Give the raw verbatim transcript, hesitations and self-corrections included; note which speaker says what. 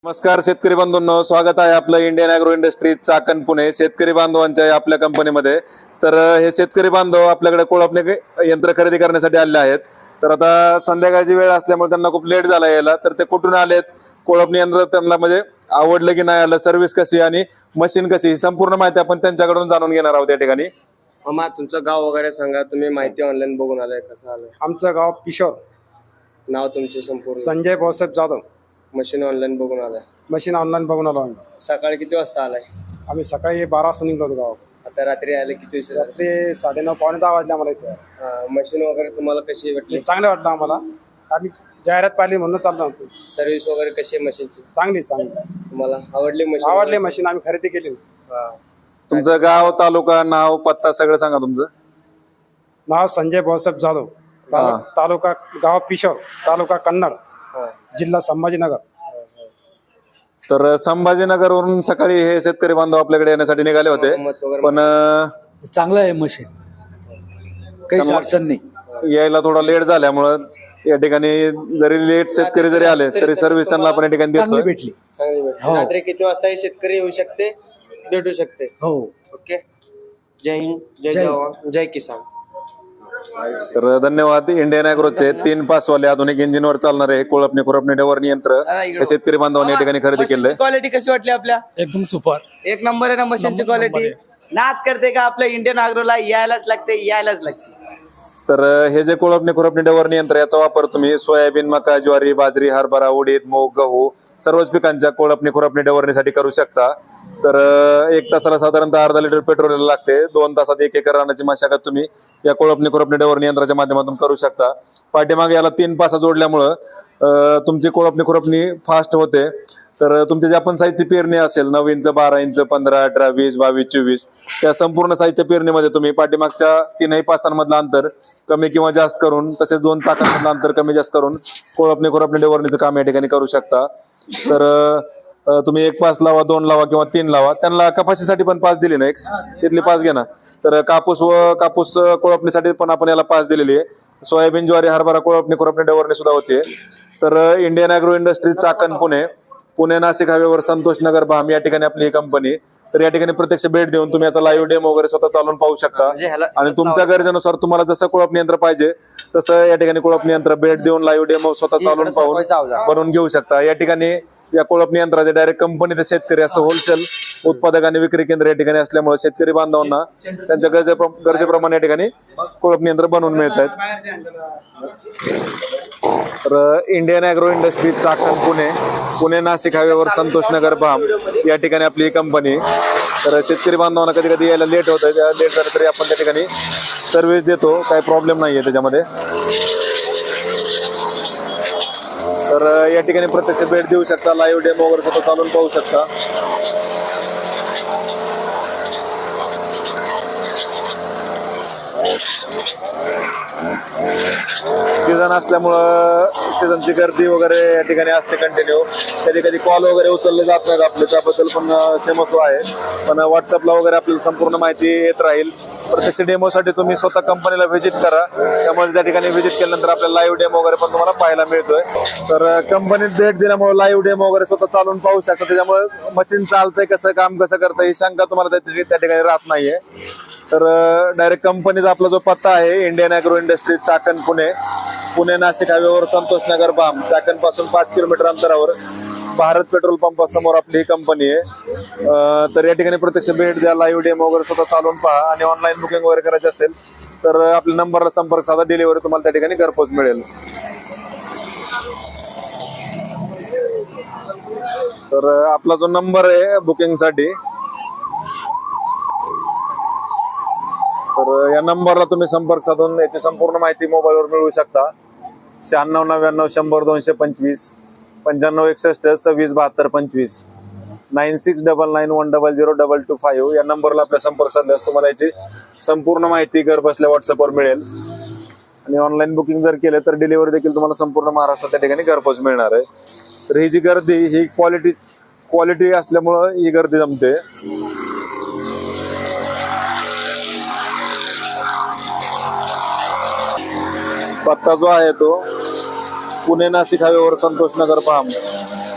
Speaker 1: नमस्कार शेतकरी बंधूंनो, स्वागत आहे आपलं Indian agro industries Chakan Pune शेतकरी बांधवांच्या आपल्या कंपनीमध्ये. तर हे शेतकरी बांधव आपल्याकडे कोळपणे यंत्र खरेदी करण्यासाठी आले आहेत. तर आता संध्याकाळची वेळ असल्यामुळे त्यांना खूप लेट झाला यायला. तर ते कुठून आलेत, कोळपणी यंत्र त्यांना म्हणजे आवडलं की नाही आलं, सर्व्हिस कशी आणि मशीन कशी, ही संपूर्ण माहिती आपण त्यांच्याकडून जाणून घेणार आहोत या ठिकाणी.
Speaker 2: मामा तुमचं गाव वगैरे सांगा, तुम्ही माहिती ऑनलाईन बघून आलाय, कसं आलंय?
Speaker 3: आमचं गाव पिशोर.
Speaker 2: नाव तुमचे संपूर्ण?
Speaker 3: संजय भाऊसाहेब जाधव.
Speaker 2: मशीन ऑनलाईन बघून आलाय?
Speaker 3: मशीन ऑनलाईन बघून आलो आम्ही.
Speaker 2: सकाळी किती वाजता आलाय?
Speaker 3: आम्ही सकाळी बारा वाजता निघलो होतो गाव.
Speaker 2: आता रात्री आले किती उशीर झाला?
Speaker 3: रात्री साडेनऊ पावणे दहा वाजले आम्हाला इथे.
Speaker 2: हा, मशीन वगैरे तुम्हाला कशी वाटली?
Speaker 3: चांगलं वाटलं आम्हाला. आम्ही जाहिरात पाहिली म्हणून चाललो होतो.
Speaker 2: सर्व्हिस वगैरे कशी आहे मशीनची?
Speaker 3: चांगली चांगली
Speaker 2: तुम्हाला आवडली मशीन?
Speaker 3: आवडली मशीन, आम्ही खरेदी केली.
Speaker 2: हा.
Speaker 1: तुमचं गाव, तालुका, नाव, पत्ता सगळं सांगा तुमचं.
Speaker 3: नाव संजय भाऊसाहेब जाधव,
Speaker 1: हा.
Speaker 3: तालु- तालुका गाव पिशोर, तालुका कन्नड,
Speaker 2: हा.
Speaker 3: जिल्हा संभाजीनगर.
Speaker 1: तर संभाजीनगरवरून सकाळी हे शेतकरी बांधव आपल्याकडे येण्यासाठी निघाले होते,
Speaker 2: मत वगैरे
Speaker 1: पण अं,
Speaker 4: चांगलं आहे मशीन, काहीच अडचण नाही.
Speaker 1: यायला थोडा लेट झाल्यामुळं या ठिकाणी जरी लेट शेतकरी जरी आले तरी सर्व्हिस त्यांना आपण या ठिकाणी
Speaker 4: चांगली
Speaker 1: देतो.
Speaker 4: भेटली.
Speaker 2: चांगली भेटली.
Speaker 4: हो.
Speaker 2: रात्री किती वाजता हे शेतकरी येऊ शकते, भेटू शकते?
Speaker 4: हो,
Speaker 2: ओके. जय हिंद, जय
Speaker 4: जय.
Speaker 2: जवान, जय किसान.
Speaker 1: तर धन्यवाद. इंडियन ॲग्रोचे तीन पासवाले आधुनिक इंजिनवर चालणारे हे कोळपणे खुरपणे डवरणी यंत्र हे शेतकरी बांधवांनी या ठिकाणी खरेदी केलंय.
Speaker 2: क्वालिटी कशी वाटली आपल्या?
Speaker 4: एकदम सुपर.
Speaker 2: एक नंबर आहे ना मशीनची क्वालिटी? नाद करते का आपल्या इंडियन ॲग्रोला? यायलाच लागते, यायलाच लागते.
Speaker 1: तर हे जे कोळपणे खुरपणे डवरणी यंत्र, याचा वापर तुम्ही सोयाबीन, मका, ज्वारी, बाजरी, हरभरा, उडीद, मूग, गहू सर्वच पिकांच्या कोळपणे खुरपणे डवरणीसाठी करू शकता. तर एक तासाला साधारणतः अर्धा लिटर पेट्रोल लागते. दोन तासात एक एकर रानाची मशागत तुम्ही या कोळपणे खुरपणे डवरणी यंत्राच्या माध्यमातून करू शकता. पाठीमागे याला तीन पासा जोडल्यामुळं अं, तुमची कोळपणी खुरपणी फास्ट होते. तर तुमच्या ज्या पण साईजची पेरणी असेल, नऊ इंच, बारा इंच, पंधरा, अठरा, वीस, बावीस, चोवीस, त्या संपूर्ण साईजच्या पेरणीमध्ये तुम्ही पाठीमागच्या तीनही पासांमधलं अंतर कमी किंवा जास्त करून, तसेच दोन चाकांमधलं अंतर कमी जास्त करून कोळपणी खुरपणी डवरणीचं काम या ठिकाणी करू शकता. तर अं, तुम्ही एक पास लावा, दोन लावा किंवा तीन लावा. त्यांना कपाशीसाठी पण पास दिली ना, एक तिथली पास घ्या ना. तर कापूस व कापूस कोळपणीसाठी पण आपण याला पास दिलेली आहे. सोयाबीन, ज्वारी, हरभरा कोळपणी खुरपणी डवरणी सुद्धा होते. तर Indian agro industries Chakan Pune, Pune Nashik हायवेवर संतोष नगर भाम या ठिकाणी आपली ही कंपनी. तर या ठिकाणी प्रत्यक्ष भेट देऊन तुम्ही याचा लाईव्ह डेमो वगैरे स्वतः चालून पाहू शकता.
Speaker 2: म्हणजे ह्याला-
Speaker 1: आणि तुमच्या गरजेनुसार तुम्हाला जसं कोळपणी यंत्र पाहिजे तसं या ठिकाणी कोळपणी यंत्र भेट देऊन लाईव्ह डेमो स्वतः चालून पाहून बनवून घेऊ शकता. या ठिकाणी या कोळपणी यंत्राचे डायरेक्ट कंपनी ते शेतकरी असं होलसेल उत्पादक आणि विक्री केंद्र या ठिकाणी असल्यामुळे शेतकरी बांधवांना त्यांच्या गरजे गरजेप्रमाणे या ठिकाणी कोळपणी यंत्र बनवून मिळत आहेत. तर Indian agro industries Chakan Pune, Pune Nashik हायवेवर संतोष नगर भाम या ठिकाणी आपली ही कंपनी. तर शेतकरी बांधवांना कधी कधी यायला लेट होतं, त्या लेट झालं तरी आपण त्या ठिकाणी सर्व्हिस देतो, काही प्रॉब्लेम नाही आहे त्याच्यामध्ये. तर या ठिकाणी प्रत्यक्ष भेट देऊ शकता, लाईव्ह डेमो वगैरे स्वतः चालून पाहू शकता. सीझन असल्यामुळं सीझनची गर्दी वगैरे या ठिकाणी असते कंटिन्यू. कधी कधी कॉल वगैरे उचलले जात नाहीत आपले, त्याबद्दल पण सेमस आहे. पण व्हॉट्सअपला वगैरे आपल्याला संपूर्ण माहिती येत राहील. प्रत्यक्ष डेमोसाठी तुम्ही स्वतः कंपनीला व्हिजिट करा. त्यामुळे त्या ठिकाणी व्हिजिट केल्यानंतर आपल्याला लाईव्ह डेमो वगैरे पण तुम्हाला पाहायला मिळतोय. तर कंपनीत भेट दिल्यामुळे लाईव्ह डेमो वगैरे स्वतः चालून पाहू शकता. त्याच्यामुळे मशीन चालतंय कसं, काम कसं करतं ही शंका तुम्हाला त्या त्या ठिकाणी राहत नाहीये. तर डायरेक्ट कंपनीचा आपला जो पत्ता आहे Indian agro industries Chakan Pune, Pune Nashik हायवेवर संतोष नगर बाम, चाकण पासून पाच किलोमीटर अंतरावर भारत पेट्रोल पंपासमोर आपली ही कंपनी आहे. अं, तर या ठिकाणी प्रत्यक्ष भेट द्या, लाईव्ह डेमो वगैरे स्वतः चालून पहा. आणि ऑनलाईन बुकिंग वगैरे करायची असेल तर आपल्या नंबरला संपर्क साधा, डिलिव्हरी तुम्हाला त्या ठिकाणी घरपोच मिळेल. तर आपला जो नंबर आहे बुकिंगसाठी, तर या नंबरला तुम्ही संपर्क साधून याची संपूर्ण माहिती मोबाईलवर मिळवू शकता. शहाण्णव नव्याण्णव शंभर दोनशे पंचवीस, पंच्याण्णव एकसष्ट सव्वीस बहात्तर पंचवीस, nine six double nine one double zero double two five या नंबरला आपल्या संपर्क साधल्यास तुम्हाला याची संपूर्ण माहिती घर बसल्या व्हॉट्सअपवर मिळेल. आणि ऑनलाईन बुकिंग जर केलं तर डिलिव्हरी देखील तुम्हाला संपूर्ण महाराष्ट्रात त्या ठिकाणी घरपोच मिळणार आहे. तर ही जी गर्दी ही क्वालिटी क्वालिटी असल्यामुळं ही गर्दी जमते. पत्ता जो आहे तो पुणे नाशिक हायवेवर संतोष नगर फार्म,